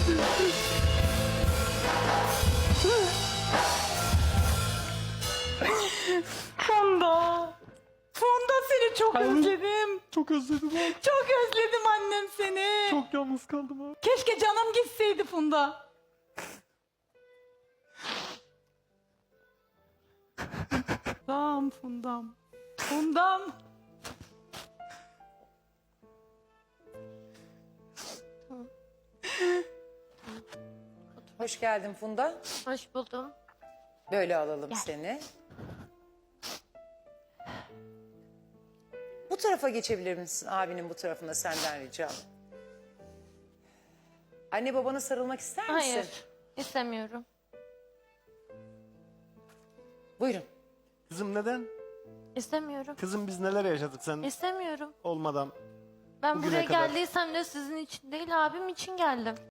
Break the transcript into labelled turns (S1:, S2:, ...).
S1: Funda. Funda, seni çok özledim.
S2: Çok özledim abi.
S1: Çok özledim annem seni.
S2: Çok yalnız kaldım abi.
S1: Keşke canım gitseydi Funda. Fundam, Fundam. Fundam.
S3: Hoş geldin Funda.
S4: Hoş buldum.
S3: Böyle alalım
S4: Gel.
S3: seni. Bu tarafa geçebilir misin? Abinin bu tarafına senden ricam. Anne babana sarılmak ister misin?
S4: Hayır, istemiyorum.
S3: Buyurun.
S2: Kızım neden?
S4: İstemiyorum.
S2: Kızım biz neler yaşadık sen
S4: İstemiyorum.
S2: olmadan.
S4: Ben
S2: Bugüne
S4: buraya
S2: kadar.
S4: geldiysem de sizin için değil, abim için geldim.